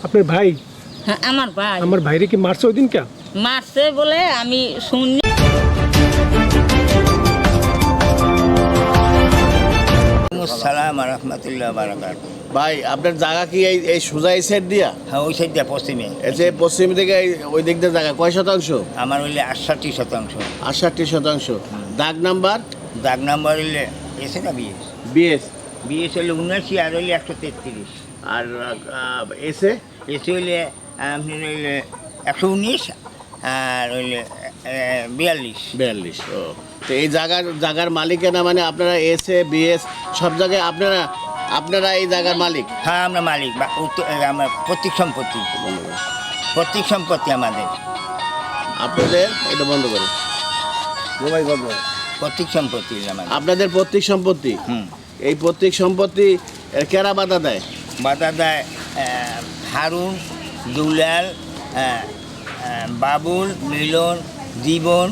আপনার ভাই? হ্যাঁ আমার ভাই। আমার ভাইরে কি মারছে ওই দিন কে? মারছে বলে আমি শুনি। আসসালামু রাহমাতুল্লাহ বারাকাতুহু। ভাই আপনার জায়গা কি এই সোজা এই সাইড দিয়া? হ্যাঁ ওই সাইড দিয়ে পশ্চিমে। এই যে পশ্চিম দিকে ওই দিক দিয়ে জায়গা কয় শতাংশ? আমার হইলে 68%। 68%। দাগ নাম্বার? দাগ নাম্বার হইলে এসে না বিএস। বিএস বিএস হইলে 79 আর হইলে 133। আর এসে এসে হইলে আপনি হইলে 119 আর হইলে 42। 42। ও তো এই জায়গার মালিকের না, মানে আপনারা এসে বিএস সব জায়গায় আপনারা এই জায়গার মালিক? হ্যাঁ আমরা মালিক বা আমার প্রত্যেক সম্পত্তি আমাদের। আপনাদের এটা বন্ধ করে প্রত্যেক সম্পত্তি আমাদের। আপনাদের প্রত্যেক সম্পত্তি? হুম। এই প্রত্যেক সম্পত্তি কেরা বাধা দেয়? বাধা দেয় হারুন, দুলাল, বাবুল, মিলন, জীবন,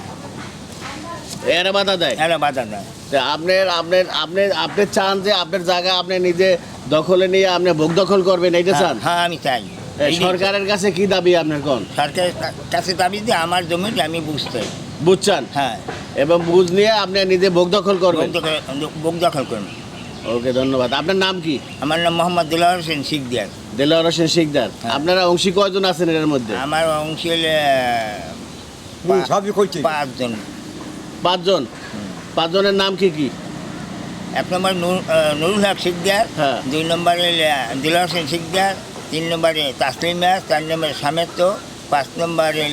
এরা বাধা দেয়? এরা বাধা দেয়। তা আপনি চান যে আপনার জায়গা আপনি নিজে দখলে নিয়ে আপনি ভোগ দখল করবেন, এইটা চান? হ্যাঁ আমি চাই। সরকারের কাছে কি দাবি আপনার? কোন সরকারের কাছে দাবি দিয়ে আমার জমিটা আমি বুঝতে বুঝছেন? হ্যাঁ এবং বুঝ নিয়ে আপনি নিজে ভোগ দখল করবেন। ভোগ দখল করুন। ওকে ধন্যবাদ। আপনার নাম কি? আমার নাম মোহাম্মদ দিলওয়ার হোসেন শিকদার। দেলোয়ার হোসেন শিকদার। হ্যাঁ। আপনারা অংশী কয়জন আছেন এর মধ্যে? আমার অংশ হলে 5 জন। 5 জন। 5 জনের নাম কি কি? 1 নম্বর নুরুল হক শিকদার, হ্যাঁ। 2 নম্বরে দিলওয়ার হোসেন শিকদার, 3 নম্বরে তাসলিম মিয়া, 4 নম্বরে সামেত, 5 নম্বরে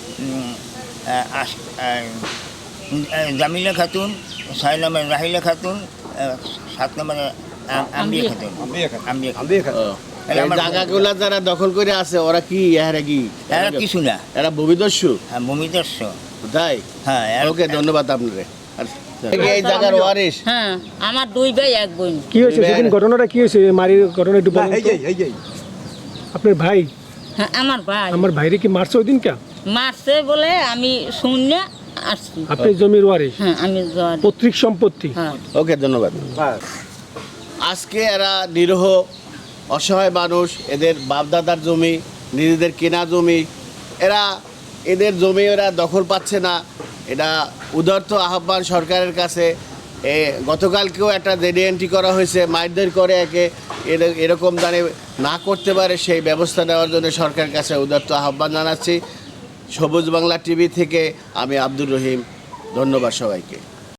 জামিলা খাতুন, 6 নম্বরে রাহিলা খাতুন, 7 নম্বরে আম্বিয়া খাতুন। ও, এই জায়গাগুলা যারা দখল করে আছে ওরা কি এরা কি? এরা কিছু না, এরা ভূমিদস্যু? হ্যাঁ ভূমিদস্য। তাই? হ্যাঁ ওকে ধন্যবাদ আপনারে। এই জায়গার ওয়ারিশ? হ্যাঁ আমার 2 ভাই 1 বোন। কি হয়েছে সেদিন? ঘটনাটা কি হয়েছে? মারির ঘটনা একটু বলুন তো। আপনার ভাই? হ্যাঁ আমার ভাই। আমার ভাইরে কি মারছে ওই দিন কে? মারছে বলে আমি শুনে আসছি। আপনি জমির ওয়ারিশ? হ্যাঁ আমি পৈতৃক সম্পত্তি? হ্যাঁ। ওকে ধন্যবাদ। আজকে এরা নিরীহ অসহায় মানুষ, এদের বাপদাদার জমি, নিজেদের কেনা জমি, এদের জমি এরা দখল পাচ্ছে না। এটা উদার্ত আহ্বান সরকারের কাছে। গতকালকেও একটা জেডি এন্ট্রি করা হয়েছে, মারধর করে একে, এরকম দাঁড়ে না করতে পারে সেই ব্যবস্থা নেওয়ার জন্য সরকারের কাছে উদার্ত আহ্বান জানাচ্ছি। সবুজ বাংলা টিভি থেকে আমি আব্দুর রহিম, ধন্যবাদ সবাইকে।